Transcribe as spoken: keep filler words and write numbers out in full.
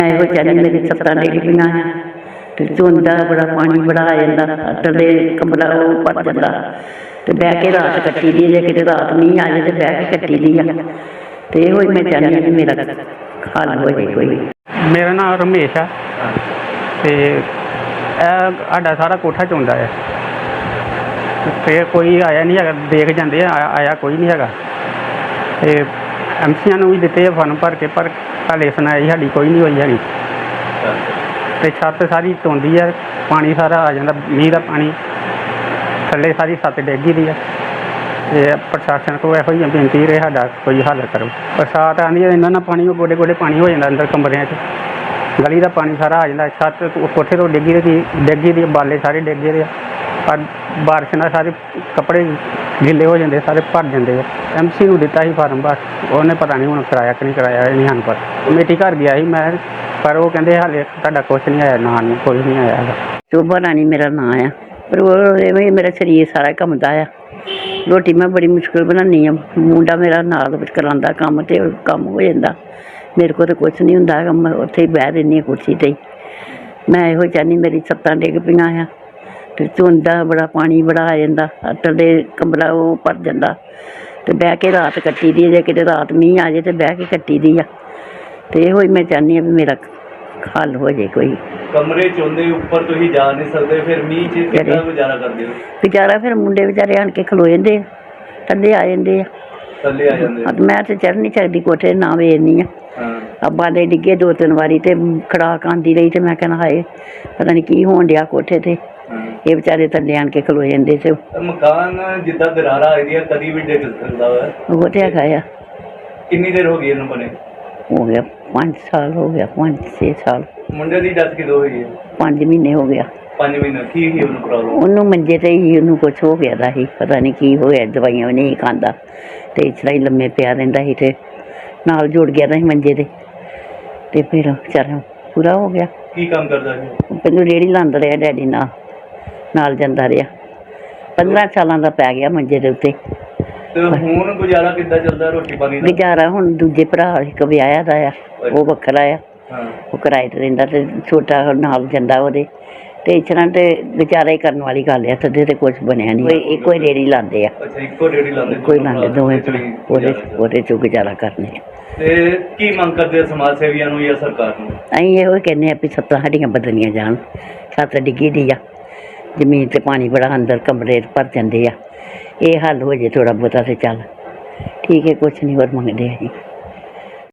ਇਹੋ ਚਾਹੁੰਦੀ ਮੇਰੀ ਛੱਤਾਂ ਡਿੱਗ ਪਈਆਂ ਤੇ ਝੋਂਦਾ ਬੜਾ ਪਾਣੀ ਬੜਾ ਆ ਜਾਂਦਾ ਥੱਲੇ ਕਮਰਾ ਉਹ ਭਰ ਜਾਂਦਾ ਤੇ ਬਹਿ ਕੇ ਰਾਤ ਕੱਟੀ ਦੀ ਜੇ ਕਿਤੇ ਰਾਤ ਮੀਂਹ ਆ ਜਾਏ ਤੇ ਬਹਿ ਕੇ ਕੱਟੀ ਦੀ ਆ ਤੇ ਇਹੋ ਹੀ ਮੈਂ ਚਾਹੁੰਦੀ ਹਾਂ ਕਿ ਮੇਰਾ ਹੱਲ ਹੋ ਜਾਏ ਕੋਈ। ਮੇਰਾ ਨਾਮ ਰਮੇਸ਼ ਆ ਤੇ ਇਹ ਸਾਡਾ ਸਾਰਾ ਕੋਠਾ ਚੋਂਦਾ ਹੈ ਤੇ ਕੋਈ ਆਇਆ ਨਹੀਂ ਹੈਗਾ, ਦੇਖ ਜਾਂਦੇ ਆ ਆਇਆ ਕੋਈ ਨਹੀਂ ਹੈਗਾ ਤੇ ਐਮ ਸੀਆਂ ਨੂੰ ਵੀ ਦਿੱਤੇ ਆ ਫਾਰਮ ਭਰ ਕੇ ਪਰ ਹਾਲੇ ਸੁਣਾਈ ਸਾਡੀ ਕੋਈ ਨਹੀਂ ਹੋਈ ਹੈਗੀ ਤੇ ਛੱਤ ਸਾਰੀ ਧੋਂਦੀ ਹੈ, ਪਾਣੀ ਸਾਰਾ ਆ ਜਾਂਦਾ ਮੀਂਹ ਦਾ ਪਾਣੀ ਥੱਲੇ ਸਾਰੀ ਛੱਤ ਡਿੱਗੀ ਦੀ ਆ ਤੇ ਪ੍ਰਸ਼ਾਸਨ ਕੋਲ ਇਹੋ ਹੀ ਬੇਨਤੀ ਰਹੇ ਸਾਡਾ ਕੋਈ ਹੱਲ ਕਰੋ। ਬਰਸਾਤ ਆਉਂਦੀ ਹੈ ਇਹਨਾਂ ਨਾਲ ਪਾਣੀ ਗੋਡੇ ਗੋਡੇ ਪਾਣੀ ਹੋ ਜਾਂਦਾ ਅੰਦਰ ਕਮਰਿਆਂ 'ਚ, ਗਲੀ ਦਾ ਪਾਣੀ ਸਾਰਾ ਆ ਜਾਂਦਾ, ਛੱਤ ਕੋਠੇ ਤੋਂ ਡਿੱਗੀ ਦੀ ਡਿੱਗੀ ਦੀ ਬਾਲੇ ਸਾਰੇ ਡਿੱਗੇ ਦੇ ਆ ਪਰ ਬਾਰਿਸ਼ ਨਾਲ ਸਾਰੇ ਕੱਪੜੇ ਗਿੱਲੇ ਹੋ ਜਾਂਦੇ ਸਾਰੇ ਭਰ ਜਾਂਦੇ ਆ। ਐਮ ਸੀ ਨੂੰ ਦਿੱਤਾ ਸੀ ਫਾਰਮ ਬਸ ਉਹਨੇ ਪਤਾ ਨਹੀਂ ਹੁਣ ਕਰਾਇਆ ਕਿ ਨਹੀਂ ਕਰਾਇਆ ਇਹ ਨਹੀਂ ਹਨ ਪਰ ਕਮੇਟੀ ਘਰ ਗਿਆ ਸੀ ਮੈਂ ਪਰ ਉਹ ਕਹਿੰਦੇ ਹਾਲੇ ਤੁਹਾਡਾ ਕੁਛ ਨਹੀਂ ਆਇਆ, ਨਾਂ ਨਹੀਂ ਕੋਈ ਨਹੀਂ ਆਇਆ ਹੈਗਾ। ਸ਼ੋਭਾ ਰਾਣੀ ਮੇਰਾ ਨਾਂ ਆ ਪਰ ਉਹ ਐਵੇਂ ਮੇਰਾ ਸਰੀਰ ਸਾਰਾ ਘੁੰਮਦਾ ਆ। ਰੋਟੀ ਮੈਂ ਬੜੀ ਮੁਸ਼ਕਿਲ ਬਣਾਉਂਦੀ ਹਾਂ, ਮੁੰਡਾ ਮੇਰਾ ਨਾਲ ਵਿੱਚ ਕਰਾਉਂਦਾ ਕੰਮ ਤੇ ਕੰਮ ਹੋ ਜਾਂਦਾ, ਮੇਰੇ ਕੋਲ ਤਾਂ ਕੁਛ ਨਹੀਂ ਹੁੰਦਾ ਹੈਗਾ, ਮੈਂ ਉੱਥੇ ਹੀ ਬਹਿ ਰਹਿੰਦੀ ਹਾਂ ਕੁਰਸੀ 'ਤੇ ਹੀ। ਮੈਂ ਇਹੋ ਚਾਹੁੰਦੀ ਮੇਰੀ ਛੱਤਾਂ ਡਿੱਗ ਪਈਆਂ ਆ ਤੇ ਝੋਂਦਾ ਬੜਾ ਪਾਣੀ ਬੜਾ ਆ ਜਾਂਦਾ ਥੱਲੇ ਕਮਰਾ ਉਹ ਭਰ ਜਾਂਦਾ ਤੇ ਬਹਿ ਕੇ ਰਾਤ ਕੱਟੀ ਦੀ ਜੇ ਕਿਤੇ ਰਾਤ ਮੀਂਹ ਆ ਜਾਏ ਤੇ ਬਹਿ ਕੇ ਕੱਟੀ ਦੀ ਆ ਤੇ ਇਹੋ ਹੀ ਮੈਂ ਚਾਹੁੰਦੀ ਹਾਂ ਵੀ ਮੇਰਾ ਹੱਲ ਹੋ ਜਾਏ ਕੋਈ। ਕਮਰੇ ਚੋਂਦੇ ਉੱਪਰ ਤੁਸੀਂ ਜਾ ਨਹੀਂ ਸਕਦੇ ਫਿਰ ਮੀਂਹ 'ਚ ਕਿੱਦਾਂ ਗੁਜ਼ਾਰਾ ਕਰਦੇ ਹੋ? ਗੁਜ਼ਾਰਾ ਫਿਰ ਮੁੰਡੇ ਵਿਚਾਰੇ ਆਣ ਕੇ ਖਲੋ ਜਾਂਦੇ ਆ, ਥੱਲੇ ਆ ਜਾਂਦੇ ਆ, ਥੱਲੇ ਆ ਜਾਂਦੇ ਹਾਂ ਮੈਂ ਤਾਂ ਚੜ੍ਹ ਨਹੀਂ ਸਕਦੀ ਕੋਠੇ ਨਾ ਵੇਖਦੀ ਆ। ਹਾਂ ਅੱਬਾ ਦੇ ਡਿੱਗੇ ਦੋ ਤਿੰਨ ਵਾਰੀ ਤੇ ਖੜਾਕ ਆਉਂਦੀ ਰਹੀ ਤੇ ਮੈਂ ਕਹਿਣਾ ਹਾਏ ਪਤਾ ਨਹੀਂ ਕੀ ਹੋਣ ਡਿਆ ਕੋਠੇ 'ਤੇ, ਇਹ ਵਿਚਾਰੇ ਥੱਲੇ ਆਣ ਕੇ ਖਲੋ ਜਾਂਦੇ ਸੀ। ਮਕਾਨ ਜਿੱਦਾਂ ਦਰਾਰਾ ਆਈ ਹੈ ਕਦੀ ਵੀ ਡਿੱਗ ਸਕਦਾ ਹੈ। ਉਹ ਤੇ ਹੈਗਾ ਆ। ਕਿੰਨੀ ਦੇਰ ਹੋ ਗਈ ਇਹਨੂੰ ਬਣੇ? ਹੋ ਗਿਆ ਪੰਜ ਸਾਲ ਹੋ ਗਿਆ, ਪੰਜ ਛੇ ਸਾਲ। ਮੁੰਡੇ ਦੀ ਡੈਥ ਕਿਦੋਂ ਹੋਈ ਹੈ? ਪੰਜ ਮਹੀਨੇ ਹੋ ਗਿਆ। ਪੰਜ ਮਹੀਨੇ ਕੀ ਸੀ ਉਹਨੂੰ ਪ੍ਰੋਬਲਮ? ਉਹਨੂੰ ਮੰਜੇ 'ਤੇ ਹੀ ਉਹਨੂੰ ਕੁਛ ਹੋ ਗਿਆ ਦਾ ਸੀ, ਪਤਾ ਨਹੀਂ ਕੀ ਹੋਇਆ, ਦਵਾਈਆਂ ਵੀ ਨਹੀਂ ਖਾਂਦਾ ਤੇ ਇਸ ਤਰ੍ਹਾਂ ਹੀ ਲੰਮੇ ਪਿਆ ਰਹਿੰਦਾ ਸੀ ਤੇ ਨਾਲ ਜੁੜ ਗਿਆ ਦਾ ਸੀ ਮੰਜੇ 'ਤੇ ਤੇ ਫਿਰ ਵਿਚਾਰਾ ਪੂਰਾ ਹੋ ਗਿਆ। ਕੀ ਕੰਮ ਕਰਦਾ ਸੀ? ਪਹਿਲਾਂ ਰੇਹੜੀ ਲਾਉਂਦਾ ਰਿਹਾ ਡੈਡੀ ਨਾਲ ਨਾਲ ਜਾਂਦਾ ਰਿਹਾ, ਪੰਦਰਾਂ ਸਾਲਾਂ ਦਾ ਪੈ ਗਿਆ ਮੰਜੇ ਦੇ ਉੱਤੇ। ਤੇ ਹੁਣ ਗੁਜ਼ਾਰਾ ਕਿੱਦਾਂ ਚੱਲਦਾ ਰੋਟੀ ਪਾਣੀ ਦਾ? ਗੁਜ਼ਾਰਾ ਹੁਣ ਦੂਜੇ ਭਰਾ ਇੱਕ ਵਿਆਹਿਆ ਦਾ ਆ, ਉਹ ਵੱਖਰਾ ਆ, ਹਾਂ ਉਹ ਕਿਰਾਏ 'ਤੇ ਰਹਿੰਦਾ ਤੇ ਛੋਟਾ ਨਾਲ ਜਾਂਦਾ ਉਹਦੇ ਤੇ ਇਸ ਤਰ੍ਹਾਂ ਤੇ ਗੁਜ਼ਾਰਾ ਹੀ ਕਰਨ ਵਾਲੀ ਗੱਲ ਆ। ਥੱਲੇ ਤੇ ਕੁਛ ਬਣਿਆ ਨਹੀਂ, ਕੋਈ ਇੱਕੋ ਹੀ ਰੇਹੜੀ ਲਾਉਂਦੇ ਆ। ਅੱਛਾ ਇੱਕੋ ਰੇਹੜੀ ਲਾਉਂਦੇ? ਕੋਈ ਲਾਉਂਦੇ ਦੋਵੇਂ ਭਰਾ, ਉਹਦੇ ਉਹਦੇ 'ਚੋਂ ਗੁਜ਼ਾਰਾ ਕਰਨੇ ਆ। ਤੇ ਕੀ ਮੰਗ ਕਰਦੇ ਆ ਸਮਾਜ ਸੇਵੀਆਂ ਨੂੰ ਜਾਂ ਸਰਕਾਰ ਨੂੰ? ਅਸੀਂ ਇਹੋ ਕਹਿੰਦੇ ਆ ਵੀ ਛੱਤਾਂ ਸਾਡੀਆਂ ਬਦਲੀਆਂ ਜਾਣ, ਛੱਤ ਡਿੱਗੀ ਦੀ ਆ, ਜ਼ਮੀਨ 'ਤੇ ਪਾਣੀ ਬੜਾ ਅੰਦਰ ਕਮਰੇ 'ਚ ਭਰ ਜਾਂਦੇ ਆ, ਇਹ ਹੱਲ ਹੋ ਜੇ ਥੋੜ੍ਹਾ ਬਹੁਤਾ ਤੇ ਚੱਲ ਠੀਕ ਹੈ, ਕੁਛ ਨਹੀਂ ਹੋਰ ਮੰਗਦੇ ਅਸੀਂ।